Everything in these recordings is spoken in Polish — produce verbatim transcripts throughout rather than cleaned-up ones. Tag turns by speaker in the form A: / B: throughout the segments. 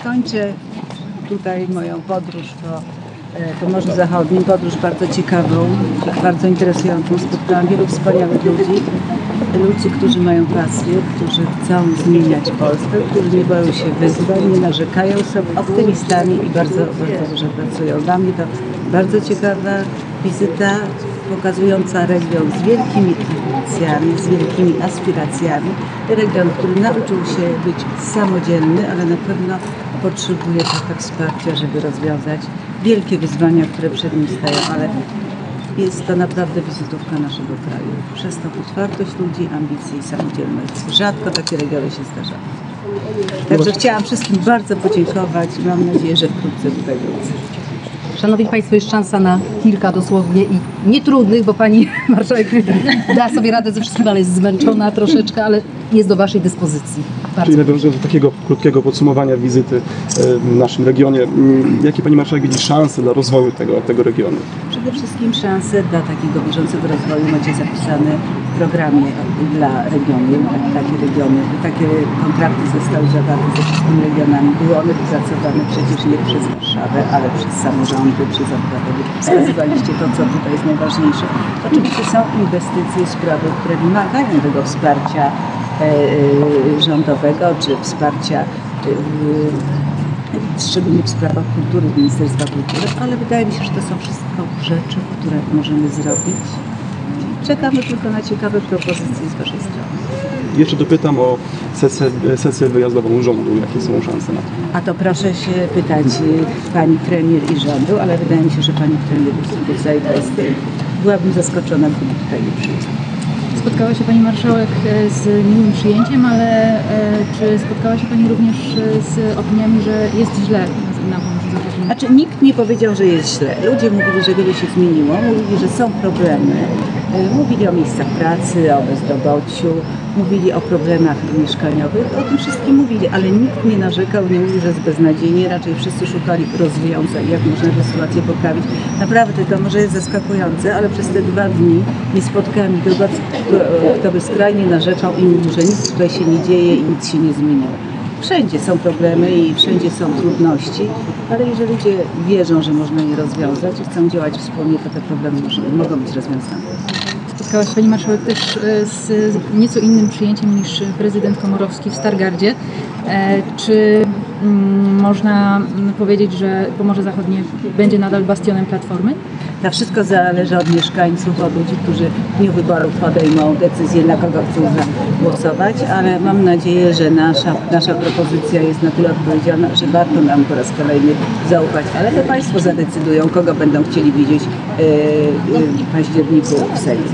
A: kończę tutaj moją podróż po Pomorzu Zachodnim, podróż bardzo ciekawą, bardzo interesującą. Spotkałam wielu wspaniałych ludzi, ludzi, którzy mają pasję, którzy chcą zmieniać Polskę, którzy nie boją się wyzwań, nie narzekają, są optymistami i bardzo, bardzo dużo pracują. Dla mnie to bardzo ciekawa wizyta, pokazująca region z wielkimi ambicjami, z wielkimi aspiracjami. Region, który nauczył się być samodzielny, ale na pewno potrzebuje trochę wsparcia, żeby rozwiązać wielkie wyzwania, które przed nim stają, ale jest to naprawdę wizytówka naszego kraju. Przez tą otwartość ludzi, ambicje i samodzielność. Rzadko takie regiony się zdarzają. Także chciałam wszystkim bardzo podziękować i mam nadzieję, że wkrótce tutaj wrócę.
B: Szanowni Państwo, jest szansa na kilka dosłownie i nietrudnych, bo Pani Marszałek da sobie radę ze wszystkim, ale jest zmęczona troszeczkę, ale jest do Waszej dyspozycji. Bardzo
C: Czyli nawiązując do takiego krótkiego podsumowania wizyty w naszym regionie, jakie Pani Marszałek widzi szanse dla rozwoju tego, tego regionu?
A: Przede wszystkim szanse dla takiego bieżącego rozwoju macie zapisane w programie dla regionu. Takie regiony, takie kontrakty zostały zawarte ze wszystkimi regionami. Były one wypracowane przecież nie przez Warszawę, ale przez samorządy, przez obywateli. Wskazywaliście to, co tutaj jest najważniejsze. Oczywiście są inwestycje, sprawy, które wymagają tego wsparcia rządowego, czy wsparcia szczególnie w sprawach kultury, Ministerstwa Kultury, ale wydaje mi się, że to są wszystko rzeczy, które możemy zrobić. Czekamy tylko na ciekawe propozycje z Waszej strony.
C: Jeszcze dopytam o sesję, sesję wyjazdową rządu. Jakie są szanse na to?
A: A to proszę się pytać Pani Premier i rządu, ale wydaje mi się, że Pani Premier tutaj jest. Byłabym zaskoczona, gdyby tutaj nie przyjechała.
D: Spotkała się Pani Marszałek z miłym przyjęciem, ale czy spotkała się Pani również z opiniami, że jest źle na Pomorzu Zachodnim?
A: Znaczy nikt nie powiedział, że jest źle. Ludzie mówili, że wiele się zmieniło, mówili, że są problemy. Mówili o miejscach pracy, o bezrobociu, mówili o problemach mieszkaniowych, o tym wszystkim mówili, ale nikt nie narzekał, nie mówił, że jest beznadziejnie, raczej wszyscy szukali rozwiązań, jak można tę sytuację poprawić. Naprawdę to może jest zaskakujące, ale przez te dwa dni nie spotkałem nikogo, kto by skrajnie narzekał i mówił, że nic tutaj się nie dzieje i nic się nie zmieniło. Wszędzie są problemy i wszędzie są trudności, ale jeżeli ludzie wierzą, że można je rozwiązać i chcą działać wspólnie, to te problemy mogą być rozwiązane.
D: Spotkała się Pani Marszałek też z nieco innym przyjęciem niż prezydent Komorowski w Stargardzie. Czy można powiedzieć, że Pomorze Zachodnie będzie nadal bastionem Platformy?
A: To wszystko zależy od mieszkańców, od ludzi, którzy w dniu wyborów podejmą decyzję, na kogo chcą głosować, ale mam nadzieję, że nasza, nasza propozycja jest na tyle odpowiedzialna, że warto nam po raz kolejny zaufać, ale to Państwo zadecydują, kogo będą chcieli widzieć yy, yy, w październiku w Sejmie.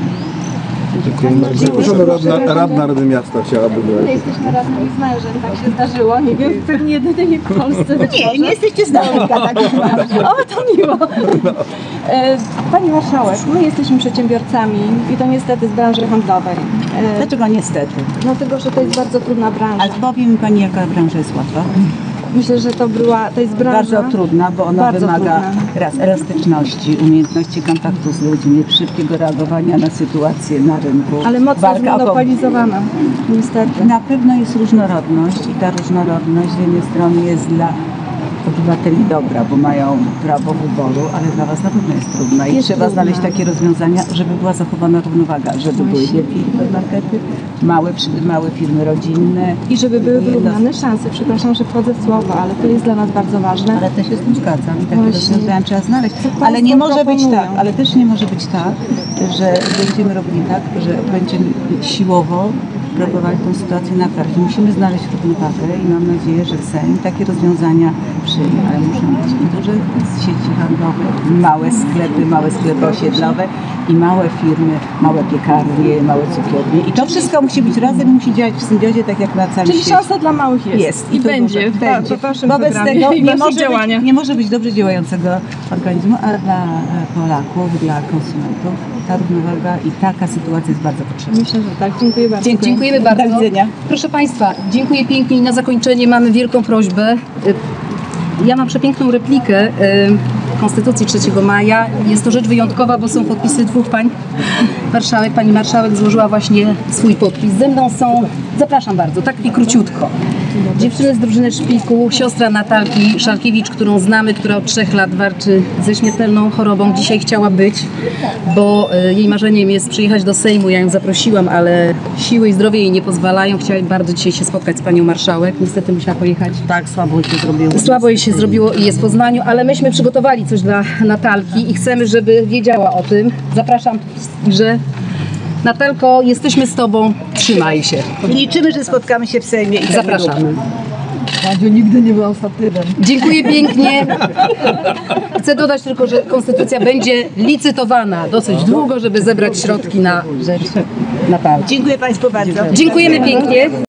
E: Zaproszona radna, radna Rady Miasta chciałaby...
F: My jesteśmy radni i znają, że tak się zdarzyło. Nie wiem, pewnie jedynie w Polsce być
A: Nie,
F: może.
A: nie jesteście z nami, tak.
F: O, to miło. E, Pani Marszałek, my jesteśmy przedsiębiorcami i to niestety z branży handlowej. E,
A: Dlaczego niestety?
F: Dlatego, że to jest bardzo trudna branża.
A: Ale powie mi Pani, jaka branża jest łatwa?
F: Myślę, że to była, to jest branża
A: bardzo trudna, bo ona
F: bardzo
A: wymaga
F: trudna.
A: raz elastyczności, umiejętności kontaktu z ludźmi, szybkiego reagowania na sytuację na rynku.
F: Ale mocno
A: walka o
F: zmonopolizowana, niestety.
A: Na pewno jest różnorodność i ta różnorodność z jednej strony jest dla obywateli dobra, bo mają prawo wyboru, ale dla Was na pewno jest trudna i
F: Jest
A: trzeba
F: trudna.
A: znaleźć takie rozwiązania, żeby była zachowana równowaga, żeby były wielkie hipermarkety, małe, małe firmy rodzinne.
F: I żeby były wyrównane szanse. Przepraszam, że wchodzę w słowo, ale to jest dla nas bardzo ważne.
A: Ale też się z tym zgadzam i takie
F: Właśnie.
A: rozwiązania trzeba znaleźć.
F: Co
A: Ale nie
F: państwo
A: może być
F: proponują?
A: tak, ale też nie może być tak, że będziemy robili tak, że będziemy siłowo próbowali tę sytuację naprawić. Musimy znaleźć równowagę i mam nadzieję, że Sejm takie rozwiązania przyjmie, ale muszą być duże sieci handlowe, małe sklepy, małe sklepy osiedlowe i małe firmy, małe piekarnie, małe cukiernie. I to wszystko musi być razem, musi działać w symbiozie, tak jak na całym
F: Czyli
A: świecie.
F: szansa dla małych jest.
A: Jest.
F: I
A: to
F: będzie
A: dużo.
F: w, będzie. w Waszym
A: Wobec
F: programie
A: tego
F: i
A: nie
F: waszych
A: może,
F: działaniach.
A: być, nie może być dobrze działającego organizmu, a dla Polaków, dla konsumentów ta równowaga i taka sytuacja jest bardzo potrzebna.
F: Myślę, że tak. Dziękuję bardzo.
B: Dzie dziękujemy bardzo.
A: Do widzenia.
B: Proszę Państwa, dziękuję pięknie i na zakończenie mamy wielką prośbę. Ja mam przepiękną replikę. Konstytucji trzeciego maja. Jest to rzecz wyjątkowa, bo są podpisy dwóch pań marszałek. Pani marszałek złożyła właśnie swój podpis. Ze mną są, zapraszam bardzo, tak i króciutko. Dziewczyny z drużyny Szpiku, siostra Natalki Szalkiewicz, którą znamy, która od trzech lat walczy ze śmiertelną chorobą. Dzisiaj chciała być, bo y, jej marzeniem jest przyjechać do Sejmu. Ja ją zaprosiłam, ale siły i zdrowie jej nie pozwalają. Chciała bardzo dzisiaj się spotkać z panią marszałek. Niestety musiała pojechać.
A: Tak, słabo się zrobiło.
B: Słabo jej się zrobiło i jest w Poznaniu, ale myśmy przygotowali coś dla Natalki i chcemy, żeby wiedziała o tym. Zapraszam, że Natalko, jesteśmy z tobą, trzymaj się.
A: I liczymy, że spotkamy się w Sejmie i
B: Zapraszamy.
G: Radziu nigdy nie byłam statywem.
B: Dziękuję pięknie. Chcę dodać tylko, że konstytucja będzie licytowana dosyć długo, żeby zebrać środki na rzecz Natalki.
A: Dziękuję Państwu bardzo.
B: Dziękujemy pięknie.